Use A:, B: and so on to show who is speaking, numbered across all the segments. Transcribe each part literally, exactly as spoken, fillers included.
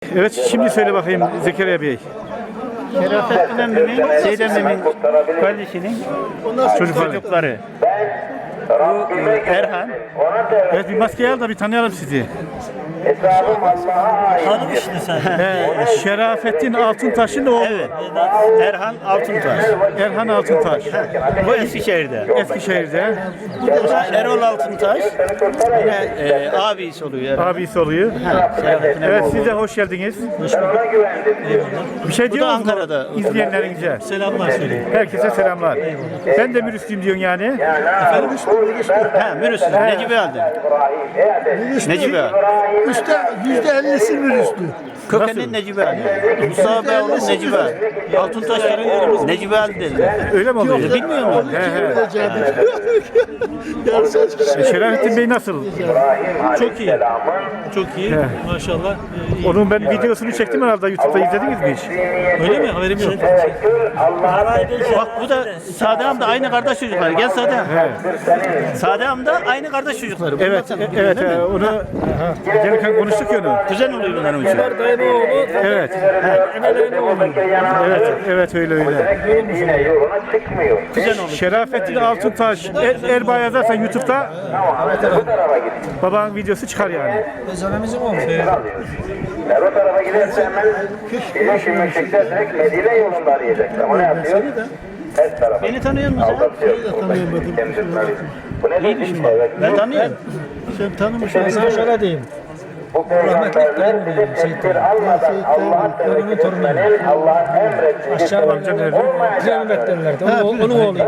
A: Evet, şimdi söyle bakayım Zekeriya Bey.
B: Şerafettin emmimin, Seyit emmimin kardeşinin
A: Çocukları.
B: çocukları. Bu e, Erhan.
A: Evet, bir maskeyi al da bir tanıyalım sizi.
C: Tanımıştın sen.
A: Ee, Şerafettin Altıntaş'ın oğlu.
B: Evet. Erhan Altuntaş.
A: Erhan Altıntaş.
B: Bu Eskişehir'de.
A: Eskişehir'de
B: Bu da Erol Altuntaş. Yine e, abisi oluyor. Erhan.
A: abisi oluyor.
B: Şerafettin
A: Evet,
B: emmi
A: siz de
B: oğlu.
A: hoş geldiniz. Bir şey
B: Bu da
A: diyor musunuz
B: Ankara'da.
A: izleyenlerinize?
C: Selamlar söyleyeyim.
A: Herkese selamlar. Ben de Mürüslüyüm diyorsun yani.
C: Efendim
B: Ha, Mürüslü. Necibi Aldın. Necibi Aldın.
D: Üste yüzde ellisi virüslü.
B: Kökenin Necibi Aldın. Mustafa Bey oğlu Necibi Aldın. Altuntaşların yerimiz Necibi Aldın dediler.
A: Öyle mi oluyor?
B: Bilmiyor musun?
A: He he.
D: Yarısı
A: E, Şerafettin Bey nasıl?
C: Çok iyi. Çok iyi.
A: He.
C: Maşallah. Ee, iyi.
A: Onun ben videosunu çektim herhalde YouTube'da izlediniz mi hiç?
C: Öyle mi? Haberim yok.
B: Bak bu da Sadem de aynı kardeş çocukları. Gel Sadem. Sadem de aynı kardeş çocukları.
A: Evet,
B: Bunlar
A: e-
B: tabii
A: evet.
B: değil mi?
A: e, Onu gelirken konuştuk ya onu.
B: Kuzen oluyor bunların için.
A: Evet. Evet, evet öyle öyle.
E: Yine yoluna çıkmıyor.
B: Kuzen oluyor.
A: Şerafettin Altıntaş, Er, Erbay yazarsan YouTube'da
E: Bu tarafa git.
A: babanın videosu çıkar yani.
E: Ben o tarafa giderse hemen Birleşim Meşrik'te direkt Medine yolunda arayacak. Ama ne yapıyor? Her tarafa.
B: Beni tanıyor musun sen?
E: Aldatıyor. Bu ne dedi? Evet.
B: Ben tanıyorum.
D: sen tanımışsın. Ben şöyle diyeyim.
E: Bu peygamberler bize tedbir almadan Allah'ın tevekkülünün Allah'ın emrettiği
D: Aşağı amca nerede? Piremet derlerdi. Onun, onun oğlu.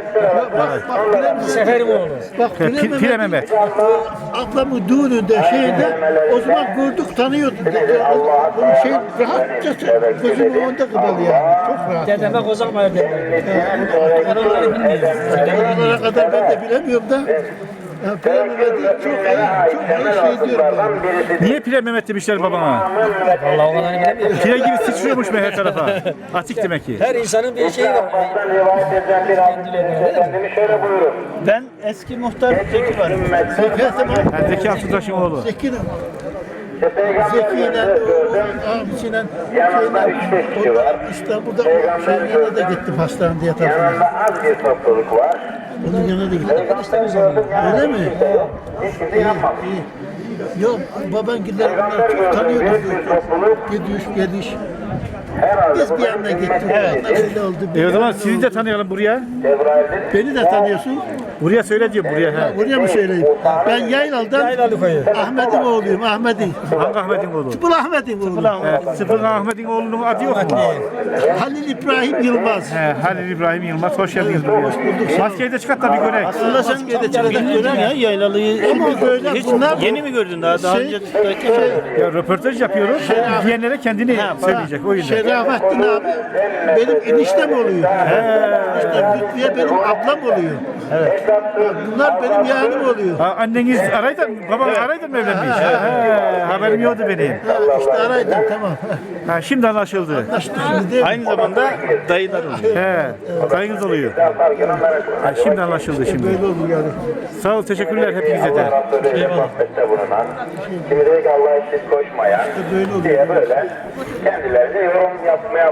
D: Bak bak Sefer'in oğlu. Bak
A: He, Pi- Pire Mehmet.
D: ablamın düğününde şeyde o zaman gördük tanıyorduk. Onun şey rahatça gözümün önünde kıbalı yani. Çok rahat. Dedeme kozalmaya derlerdi. Oraları bilmiyorum. Oralara kadar ben de bilemiyorum da. Ya, Pire Mehmet'i çok iyi, çok iyi şey diyorum yani.
A: Niye Pire Mehmet demişler babana?
D: Vallahi o kadarını bilemiyorum.
A: Pire gibi sıçrıyormuş mu her tarafa? Atik demek ki.
D: Her insanın bir şeyi var.
E: rivayet edilen bir hadis-i Efendimiz şöyle buyurur.
B: Ben eski muhtar Zeki varım.
A: Yani Zeki Altıntaş'ın oğlu.
D: Zeki'yle,
E: İşte Peygamberimizi
D: Zeki'yle,
E: gördüm.
D: abisiyle,
E: Yanında
D: şeyle,
E: üç beş kişi var.
D: İstanbul'da şeyine de gittim hastanede yatarken.
E: Yanında az bir topluluk var.
D: Onun yanına da gittim.
E: Peygamberi gördüm. Yanında
D: Öyle mi?
E: kimse yok. Hiç kimse yapmamış.
D: İyi. Yok, baban gider bunlar
E: Peygamber
D: çok
E: gördüm.
D: tanıyorduk.
E: Büyük bir topluluk.
D: Gidiş, geliş.
E: Herhalde
D: Biz
E: bu
D: bir
E: da
D: yanına
E: bir
D: gittik.
E: Evet.
D: Öyle oldu.
A: E o
D: bir
A: zaman
D: yanına
A: sizi
D: oldu.
A: de tanıyalım buraya.
E: Cebrail'dir.
D: Beni de tanıyorsun.
A: Buraya söyle diyor buraya. He.
D: Buraya mı söyleyeyim? Ben Yaylalı'dan Ahmet'in oğluyum. Ahmet'in.
A: Hangi Ahmet'in oğlu?
D: Tıpıl Ahmet'in oğlu.
A: He, Sıfır Ahmet'in oğlunun adı yok mu?
D: Halil İbrahim Yılmaz.
A: He, Halil İbrahim Yılmaz, hoş geldiniz buraya. Maskeyi de çıkart da bir görek.
B: Aslında sen bilmiyordun ya yaylalıyı.
D: Ama böyle
B: Hiç
D: bunlar-
B: yeni mi gördün daha? Daha
D: Şey-
B: önce
A: Ya röportaj yapıyoruz. Diyenlere kendini söyleyecek o yüzden.
D: Şerafettin abi benim eniştem oluyor. Eniştem Lütfiye benim ablam oluyor. Evet. Bunlar benim yeğenim oluyor.
A: Ha, anneniz araydı, baban araydı mı evlenmiş? He, haberim yoktu benim.
D: Ha, işte araydın tamam.
A: Ha, şimdi anlaşıldı.
D: İşte şimdi değil mi?
B: aynı zamanda dayılar oluyor.
A: He, dayınız oluyor. Ha, şimdi anlaşıldı şimdi.
D: Böyle olur yani.
A: Sağ ol, teşekkürler hepinize de.
E: Sohbette bulunan, kimi diyor ki Allah'a eşit koşmayan
D: böyle oluyor.
E: diye böyle kendilerine yorum yapmaya